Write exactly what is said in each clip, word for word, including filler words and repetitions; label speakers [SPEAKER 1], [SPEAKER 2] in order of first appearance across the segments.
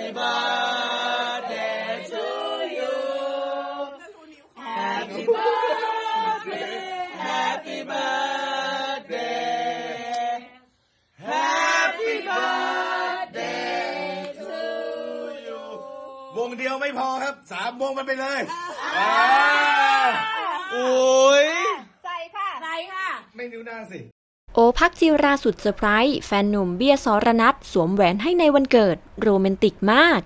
[SPEAKER 1] Happy birthday to you Happy birthday Happy birthday Happy birthday to you วงเดียวไม่พอครับสามวงมันไปเลยโอ้ย
[SPEAKER 2] ใส่ค่ะใส่ค่ะ
[SPEAKER 1] ไม่นิ้วหน้าสิ
[SPEAKER 3] โอภักจิราสุดเซอร์ไพรส์แฟนหนุ่มเบียร์สรณัฐสวมแหวนให้ในวันเกิดโรแมนติกมาก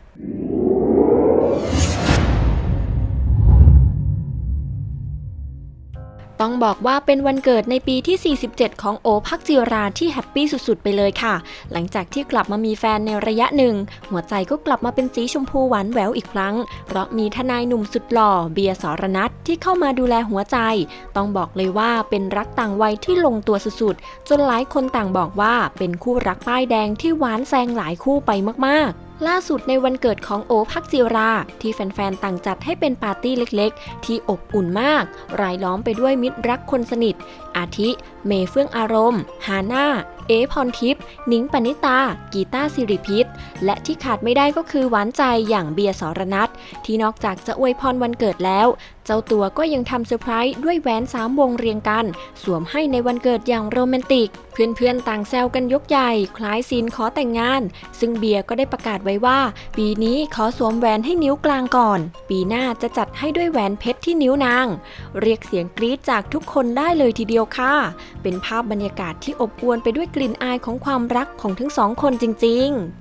[SPEAKER 3] ต้องบอกว่าเป็นวันเกิดในปีที่สี่สิบเจ็ดของโอภักจิราที่แฮปปี้สุดๆไปเลยค่ะหลังจากที่กลับมามีแฟนในระยะหนึ่งหัวใจก็กลับมาเป็นสีชมพูหวานแหววอีกครั้งเพราะมีทนายหนุ่มสุดหล่อเบียร์สรณัฐที่เข้ามาดูแลหัวใจต้องบอกเลยว่าเป็นรักต่างวัยที่ลงตัวสุดๆจนหลายคนต่างบอกว่าเป็นคู่รักป้ายแดงที่หวานแซงหลายคู่ไปมากๆล่าสุดในวันเกิดของโอภักจิราที่แฟนๆต่างจัดให้เป็นปาร์ตี้เล็กๆที่อบอุ่นมากรายล้อมไปด้วยมิตรรักคนสนิทอาทิเมย์เฟื่องอารมณ์ฮาน่าเอพรทิพย์นิ้งปณิตากีตาร์สิริพิษและที่ขาดไม่ได้ก็คือหวานใจอย่างเบียร์สรณัฐที่นอกจากจะอวยพรวันเกิดแล้วเจ้าตัวก็ยังทำเซอร์ไพรส์ด้วยแหวนสามวงเรียงกันสวมให้ในวันเกิดอย่างโรแมนติกเพื่อนๆต่างแซวกันยกใหญ่คล้ายซีนขอแต่งงานซึ่งเบียร์ก็ได้ประกาศไว้ว่าปีนี้ขอสวมแหวนให้นิ้วกลางก่อนปีหน้าจะจัดให้ด้วยแหวนเพชรที่นิ้วนางเรียกเสียงกรี๊ดจากทุกคนได้เลยทีเดียวค่ะเป็นภาพบรรยากาศที่อบอวลไปด้วยกลิ่นอายของความรักของทั้งสองคนจริงๆ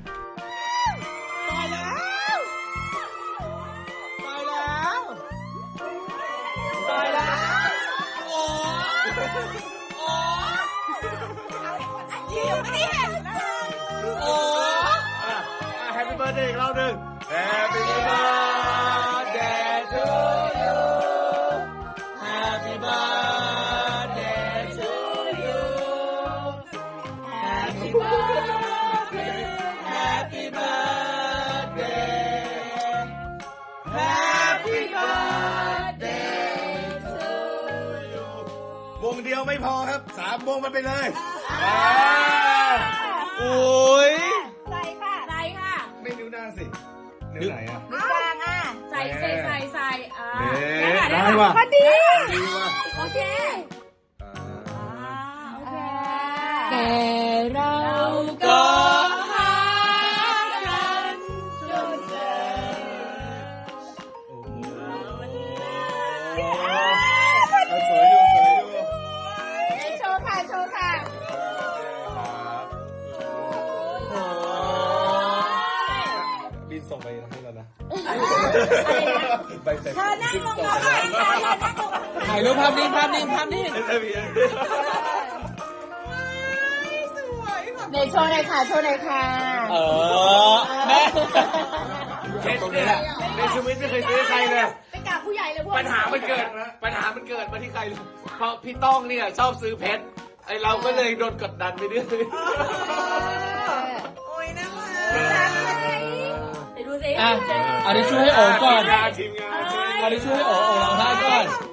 [SPEAKER 1] Happy birthday อีกรอบหนึ่ง Happy birthday to you Happy birthday to you Happy birthday Happy birthday Happy birthday to you วงเดียวไม่พอครับสามวงมันไปเลยโอ้ย
[SPEAKER 2] ใส่ค่ะใส่ค่ะ
[SPEAKER 1] ไม่นิ้วหน้าสินิ้วไหนอ่ะ
[SPEAKER 2] นิ้วกลางอ่ะใส่ใส่ใส่ใส่อ่า
[SPEAKER 1] ได้ว่ะ
[SPEAKER 2] พอดีโอเค
[SPEAKER 1] โอเค
[SPEAKER 2] แต่เราก็หากันจนเจอ
[SPEAKER 1] โอ้โหสวยอยู่สวยอยู่
[SPEAKER 2] โชว์ค่ะโชว์ค่ะ
[SPEAKER 1] บินส่งไปให้แล้วนะ
[SPEAKER 2] เธอนั่งลงมาหน่อยค่ะเธอนั่งลง
[SPEAKER 4] ถ่ายรูปภาพนิ่งภาพนิ่งภาพนิ่ง
[SPEAKER 2] เดี๋ยวโชว์หน่อยค่ะโชว์หน่อยค่ะ
[SPEAKER 4] เออแม่
[SPEAKER 1] เช็ดตรงนี้แหละในชีวิตไม่เคยซื้อใครเลย
[SPEAKER 2] ไปกราบผู้ใหญ่เลยพวก
[SPEAKER 4] ปัญหามันเกิดปัญหามันเกิดมาที่ใครเพราะพี่ต้องเนี่ยชอบซื้อเพชรไอเราก็เลยโดนกดดันไปเรื่อย
[SPEAKER 2] โอ้ยน่ารักไปดูสิ
[SPEAKER 4] อ่ะเอาดิช่วยให้โอ๋ก่อน
[SPEAKER 1] ทีมงาน
[SPEAKER 4] เอาดิช่วยให้โอ๋โอ๋ร้องไห้ก่อน